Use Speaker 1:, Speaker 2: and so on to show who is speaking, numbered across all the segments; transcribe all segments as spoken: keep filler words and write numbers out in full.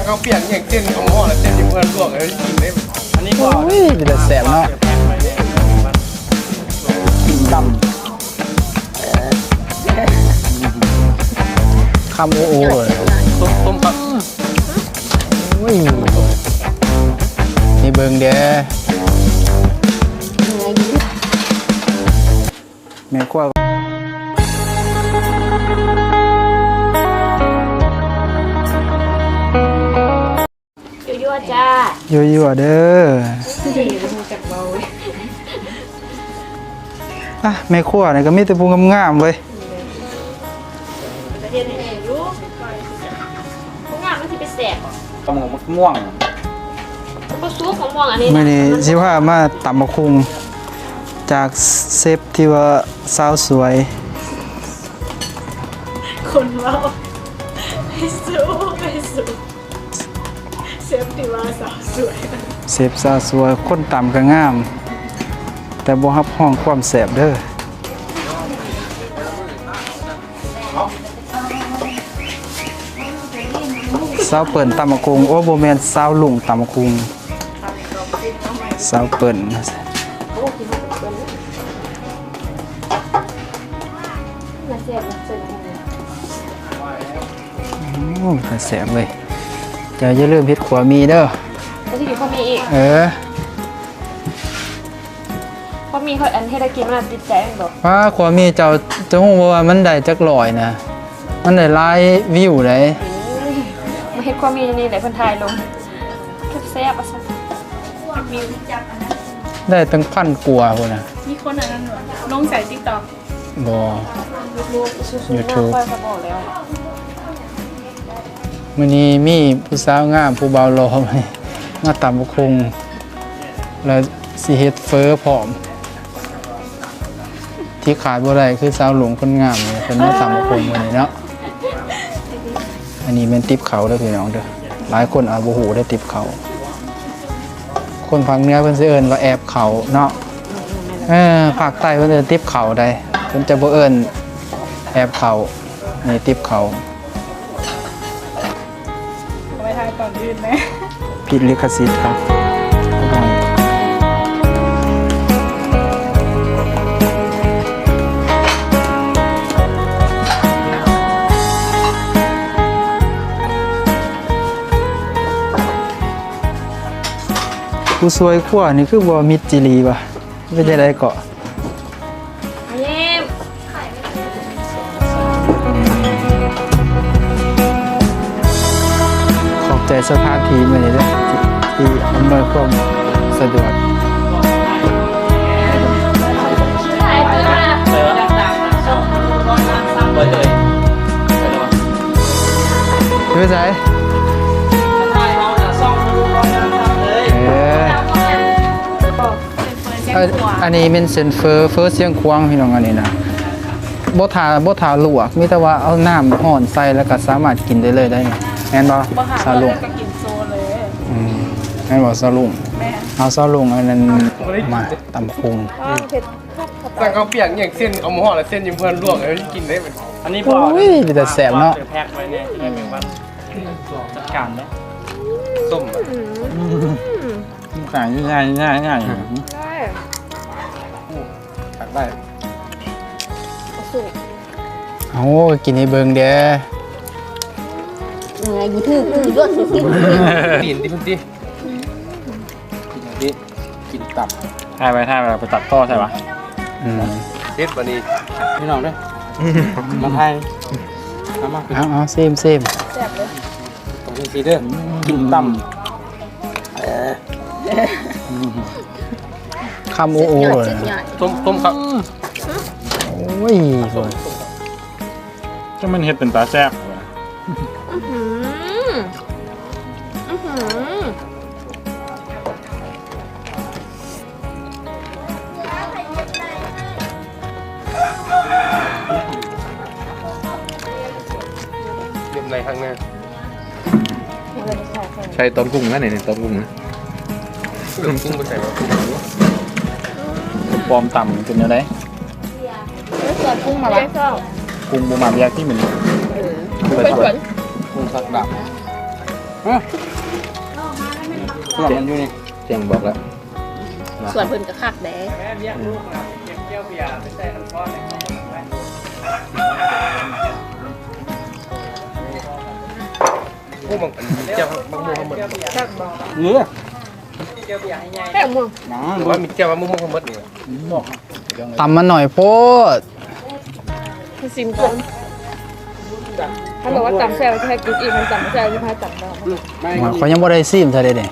Speaker 1: ข้าวเปียกอย่างเส้นของห่อและเส้นที่เพื่อนลวกเลยกินได้อันนี้ก็
Speaker 2: อุ้ยเป็นแต่แสบเนาะดำคำโอ้โหเลย
Speaker 1: ต้มต้มครับ
Speaker 2: อุ้ยนี่เบิ่งเด้อแม่กว่า
Speaker 3: ยั่วๆจ้า
Speaker 2: ยั่วๆเด้ออ่ะแม่ขั้วนี่ก็มีแต่ผู้งามๆเว้ย
Speaker 3: ประเทศไหนรู้ผู้งามมันสิไปแสบ
Speaker 2: ตำมะม่วง
Speaker 3: ก็ซุปของม่วงอันนี้
Speaker 2: มื้อนี้สิว่ามาตำบักคุงจากเซฟที่ว่าสาวสวย
Speaker 3: คนเว้าไปสู้ไปสู้เซฟที่ว่าสาวสวย
Speaker 2: เซฟสาวสวยคนตำก็งามแต่บ่รับห้องความแสบเด้อสาวเปิ่นตำบักคุงโอ้บ่แม่นสาวลุงตำบักคุงสาวเปิ่นโอ้ยแสบเลยจะอย่าลืมเฮ็ดขวามีเด้อ
Speaker 3: แล้วที่อยู่พ่อมีอีก
Speaker 2: เออ
Speaker 3: พ่อมีเขาอันให้ได้กินมันติดใจมันบอก
Speaker 2: ว่าขวามีเจ้าจะฮู้ว่ามันได้จักร้อยนะมันได้หลายวิวได้
Speaker 3: มาเฮ็ดความมีนี่แหละเพิ่นถ่ายลงแซ่บๆอ่ะซัวิวจับอันนั้น
Speaker 2: ได้ตั้งพันกว่าพุ่นน่ะ
Speaker 3: มีคนอันนั้นลงใส่ TikTok
Speaker 2: บ่
Speaker 3: YouTube ค่อยก็บอกแล้ว
Speaker 2: มื้อนี้มีผู้สาวงามผู้บ่าวหล่อมาตำบักคุงแล้วสิเฮ็ดเฟอพร้อมที่ขาดบ่ได้คือสาวหลวงคนงามเพิ่นมาตำบักคุงมื้อนี้เนาะอันนี้เป็นติ๊บเขาเด้อพี่น้องเด้อหลายคนอาจบ่ฮู้ได้ติ๊บเขาคนภาคเหนือเพิ่นสิเอิ้นว่าแอบเขาเนาะเออภาคใต้เพิ่นเอิ้นติ๊บเขาได้เพิ่นจะบ่เอิ้นแอบเขานี่ติ๊บเขา
Speaker 3: ไปทายก่อนอื่นไหม
Speaker 2: ผิดลิขสิทธิ์ครับผู้สวยขั้วนี่คือบ่มิดจิรีป่ะไม่ใช่ได้เกาะขอบใจสถานที่มื้อนี้เด้อที่อำนวยความสะดวกดูใส่อันนี้เป็นเซนเฟอร์เฟอร์เสียงควงพี่น้องอันนี้นะบ่ทาบ่ทาลวกมีแต่ว่าเอาน้ำห่อนใส่แล้วก็สามารถกินได้เลยได้แม่นบ่ซาลุง
Speaker 3: ก็กินโซเลย
Speaker 2: อืมแม่นบ่ซาลุงเอาซาลุงอันนั้นมาตำพุง
Speaker 1: สั่งข้าวเปียกอย่างเส้นเอาห่อและเส้นที่เพื่อนลวกเลยกินได้อันนี้พอ
Speaker 2: อุ้ยเป็นแต่แสบเนาะ
Speaker 1: แพ็คไว้เนี่ยที่ได้เป็นวันจัดการเนาะส้ม
Speaker 2: ขายง่ายง่ายง่ายตักได้โอ้กินให้เบิ่งเด้อ
Speaker 3: ไงกูถือถือด้วย
Speaker 1: กินดิพุ่นดิกินดิกินตับ
Speaker 2: ถ่ายไปถ่ายไปไปตัดต่อใช่ปะ
Speaker 1: เด็ดวันนี้
Speaker 2: พี่น้องด้วย
Speaker 1: มาไทย
Speaker 2: เอามาเอาเอาเซมเซม
Speaker 3: แซ่บเลย
Speaker 1: ตรงนี้สิเด้อกินต่ำ
Speaker 2: คำโอ้โห
Speaker 1: ต้มต้มครับ
Speaker 2: โอ้ย
Speaker 4: จะมันเห็ดเป็นตาแซ่บ
Speaker 3: อื้อหืออื้อหือ
Speaker 1: เรียบในข้างหน้า
Speaker 4: ใช้ต้มกุ้งนะเนี่ยต้มกุ้งนะ
Speaker 1: ต้มกุ้งไปใส่แบบ
Speaker 4: ปอมต่ำเป็นยังไง
Speaker 3: เกิดกุ้งมาแล้ว
Speaker 4: กุ้งบูมามยาที่เหมือน
Speaker 3: เป็นขวัญ
Speaker 1: กุ้งสักดับ
Speaker 2: หลับมันอยู่นี่
Speaker 4: เจียงบอกแล้ว
Speaker 3: ส่วนเพิ่นก็คักแด้
Speaker 1: แม่เลี้ยงลูกนะเก็บเกี่ยวเบียร์ไปใส่น้ำก้อนในของไปพวกบางเจ้าบางมุมหมด
Speaker 2: เยอะ
Speaker 1: เกี่ยวเบียร์ให้ใหญ่
Speaker 3: แค่ม่วง
Speaker 1: หรือว่ามีเจ้าบางมุมหมดนี่
Speaker 2: ตำมันหน่อยโพด
Speaker 3: คือซิมก่อนถ้าบอกว่าตำแซ่บจะให้กินอีกมันตำแซ่บจะพาตำได้
Speaker 2: เขายังบ่ได้ซีมซะเด้เด้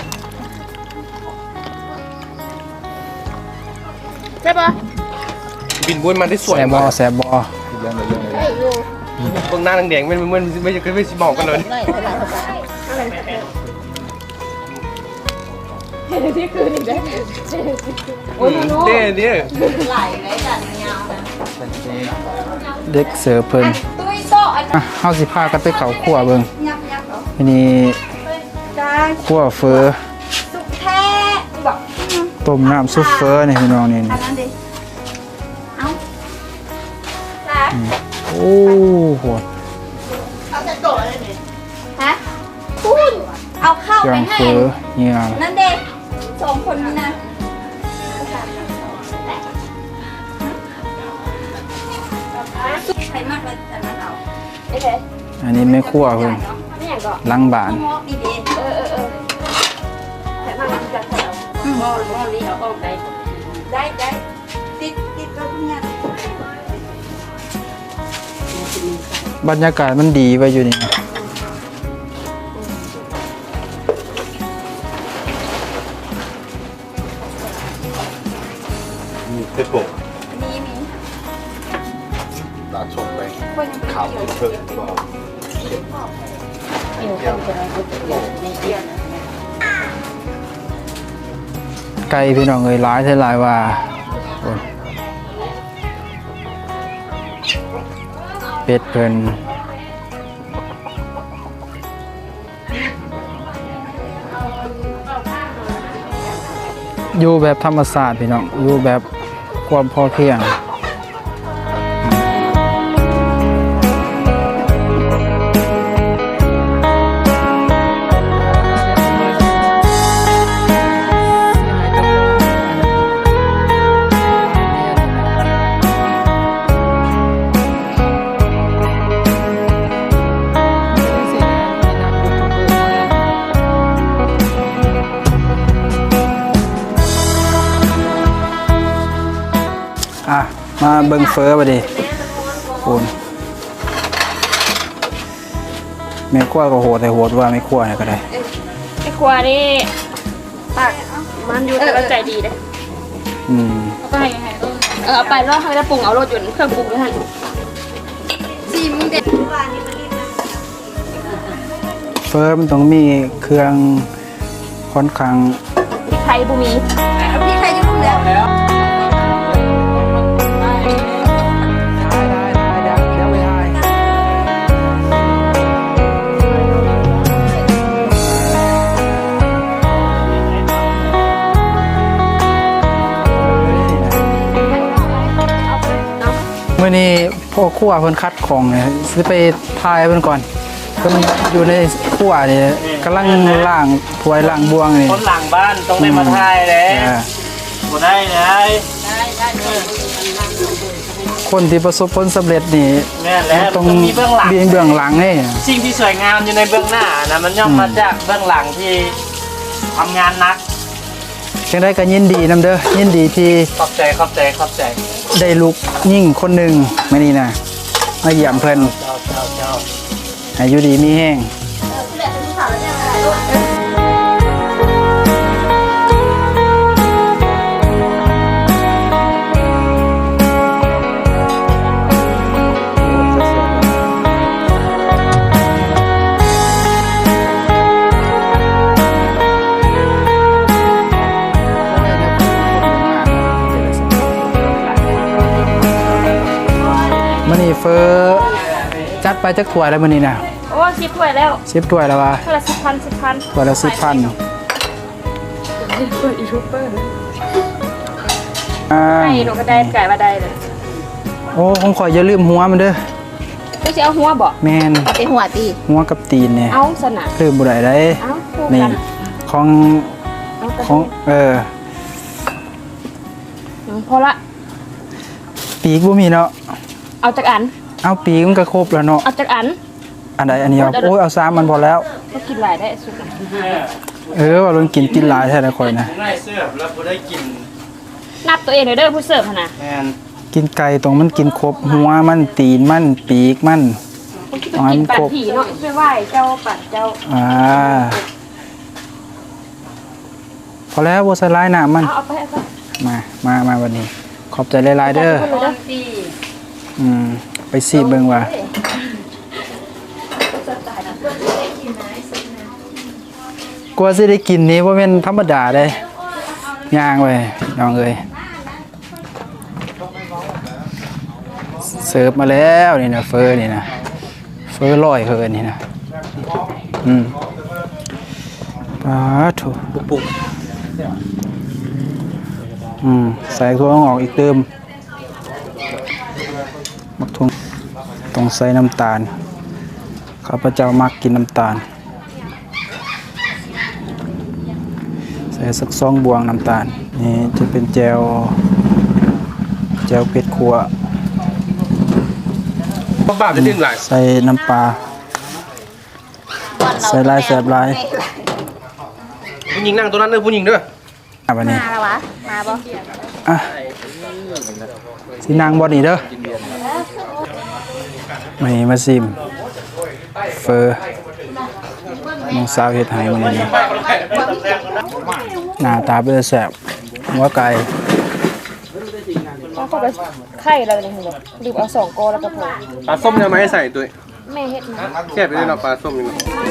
Speaker 3: ใช่ปะ
Speaker 1: บินบนมันได้สวย
Speaker 2: แซ่บบ่
Speaker 1: มาก
Speaker 2: แซ่บบ่
Speaker 4: เรื่องเรื่องเลย
Speaker 3: ไอ้ยู
Speaker 1: ตรงหน้าแดงๆไม่ไม่ไม่ไม่ไม่สิมองกันเลย
Speaker 3: เห็นที่คืนอีกได้โอ้ยโน้
Speaker 1: เด้เด้
Speaker 3: ไหลไหลจัดยาวนะ
Speaker 2: เด็กเสิร์ฟเพิ่น
Speaker 3: ตุ้ยโต๊ะอัน
Speaker 2: อ่ะเฮาสิพากันไปเข้าครัวเบิ่ง
Speaker 3: ยับยับเหรอ
Speaker 2: อันนี้
Speaker 3: จ้า
Speaker 2: ครัวเฟอ
Speaker 3: สุกแท้บอก
Speaker 2: ต้มน้ำซุปเฟอนี่พี่น้องนี่
Speaker 3: อันนั้นดิเอาจ้า
Speaker 2: โอ้โห
Speaker 3: เอาจะโต๊ะอะไรเนี่ยฮะคุณเอาข้าว
Speaker 2: เครื่
Speaker 3: ไป
Speaker 2: อง
Speaker 3: ให้
Speaker 2: เฟอเนี่ย
Speaker 3: นั่นเด็กสองคนนี้นะใครมากเลยแต่นั้นเอาโอเค
Speaker 2: อันนี้แม่ครัวเพิ่น
Speaker 3: นี่อย่างก็
Speaker 2: หลังบ้าน
Speaker 3: ดีดีเออเออเออใครมากมันจะแถวมอมอนี้เอาออกได้ได้ได้ติดติดก็เนี่ย
Speaker 2: บรรยากาศมันดีไว้อยู่นี่
Speaker 4: มีเพชรบก
Speaker 3: มีมี
Speaker 4: ตาชมไป
Speaker 3: คนยัง
Speaker 4: ข่าวเพิ่งบอก
Speaker 3: อยู่คนจะในเดียน
Speaker 2: ไก่พี่น้องเอ้ยหลายเท่าหลายว่าโอ้ยเป็ดเพิ่นอยู่แบบธรรมศาสตร์พี่น้องอยู่แบบความพอเพียงอ่ะมาเบิ่งเฟอบ่ดิคุณแม่ครัวก็โหดแต่โหดว่าไม่ครัวเนี่ยก็ได้
Speaker 3: ไอ้ครัวนี่ปากมันอยู่แต่ก็ใจดีเลย
Speaker 2: อืม
Speaker 3: เอาไปยังไงเออเอาไปแล้วให้ได้ปรุงเอารสยนต์เครื่องปรุงด้วยฮะซีมึงเด็ด
Speaker 2: เฟอมันต้องมีเครื่องค่อนข้าง
Speaker 3: พริกไทยบุมีพริกไทยจะปรุงแล้ว
Speaker 2: เมื่อนี้พ่อครัวเพิ่นคัดของเนี่ยสิไปทายเพิ่นก่อนก็มันอยู่ในครัวนี่กำลังล้างถ้วยล้างบวงนี่
Speaker 1: คนหลังบ้านต้องได้มาทายเลย
Speaker 2: อ่า
Speaker 1: บ่ได้เลย
Speaker 2: คนที่ประสบผลสำเร็จนี่
Speaker 1: แม่แล้ว
Speaker 2: ต้อง
Speaker 1: ต้องมีเบื้องหลัง
Speaker 2: เบียงเบื้องหลังนี่
Speaker 1: สิ่งที่สวยงามอยู่ในเบื้องหน้านะมันย่อมมาจากเบื้องหลังที่ทำงานหนัก
Speaker 2: จังได้ก็ยินดีนํเด้อยินดีที่
Speaker 1: ขอบใจขอบใจขอบใจ
Speaker 2: ได้ลูกยิ่งคนหนึงมื้อนี้นะมาเยี่ยมเพิ่น
Speaker 1: เจ้าเจ้าเจ้า
Speaker 2: ให้อยู่ดีมีแห้ง มื้อนี้เฟอจัดไปจักถ้วยแล้วมื้อนี้นะ
Speaker 3: โอ้ชิปถ้วยแล้ว
Speaker 2: สิบถ้วยแล้วว่า
Speaker 3: เท่าละสิบพันสิบพัน
Speaker 2: ถ้วยละสิบพัน
Speaker 3: เปิดยูทูบเบอร์
Speaker 2: อ่า
Speaker 3: ให้หนูก็ได้ไก่มาได้เลย
Speaker 2: โอ้ผมขออย่าลืมหัวมันเด้อ
Speaker 3: เอไม่ใช่เอาหัวบ่
Speaker 2: แม่น
Speaker 3: เป็นหัวตี
Speaker 2: หัวกับตีนเนี่ย
Speaker 3: เอาสนะ
Speaker 2: ลืมบ่ได้ได้
Speaker 3: เอาคู่
Speaker 2: นี่
Speaker 3: กัน
Speaker 2: ของ
Speaker 3: เอากระ
Speaker 2: ของเออ
Speaker 3: อืมพอละ
Speaker 2: ปีกบ่มีเนาะ
Speaker 3: เอาจากอัน
Speaker 2: เอาปีกมันก็ครบแล้วเนาะ
Speaker 3: เอาจากอัน
Speaker 2: อันใดอันนี้เอาโอ้ยเอาซ้ำมันพอแล้ว
Speaker 3: ก็กินหลายได้สุกนะ
Speaker 2: เออว่าลงกินกินหลายแท้ละข่อยนะ
Speaker 1: ผมได้เสื้อแล้วผมได้กิน
Speaker 3: นับตัวเองเลยเด้อผู้เสิร์ฟหั่นน่ะ
Speaker 1: แมน
Speaker 2: กินไก่ตรงมันกินครบหัวมันตีนมันปีกมัน
Speaker 3: ผู้ที่ไปกินปัดผีเนาะไม่ไหวเจ้าปัดเจ้า
Speaker 2: อ่าพอแล้วบ่ใส่ลายน้ำมัน
Speaker 3: เอาเอาไปเอาไป
Speaker 2: มามามาวันนี้ ขอบใจหลายๆเด้อ
Speaker 3: เอาไปเลยเด้อ
Speaker 2: อืมไปซีเบิ่งว่า กว่าสิได้กินนี้บ่แม่นธรรมดาเด้ย่างเว้ยน้องเอ้ยเสิร์ฟมาแล้วนี่นะเฟอร์นี่นะเฟอร์ลอยเพิ่นนี่นะอืมปาโถ
Speaker 1: ปุก
Speaker 2: อืมใส่ถั่วงอกอีกเติมมักทุ่งต้องใส่น้ำตาลข้าพเจ้ามักกินน้ำตาลใส่สักสองบวงน้ำตาลนี่จะเป็นแจวแจวเผ็ดขัว
Speaker 1: พ่อบ้าจะดิ้นหลาย
Speaker 2: ใส่น้ำปลาใส่ลายแสบลาย
Speaker 1: ผู้หญิงนั่งตัวนั้นเด้อผู้หญิงเด้อ
Speaker 2: อ่ะบัดนี้
Speaker 3: มาแล้ววะมาบ่
Speaker 2: อ่ะสินางบ่นี่เด้อมานี่มาซิมเฟอร์น้องสาวเฮ็ดให้มื้อนี้หน้าตาเป็นแสบหัวไก่
Speaker 3: ต้องเข้าไปไข่เราเลยเหรอดื่มเอาสองโกแล้วก็พอ
Speaker 1: ปลาส้มเนี่ยมาให้ใส่ตัว
Speaker 3: แม่เฮ็ดนะ
Speaker 1: แค่ไปเลยเนาะปลาส้มนี่เนาะ
Speaker 3: แ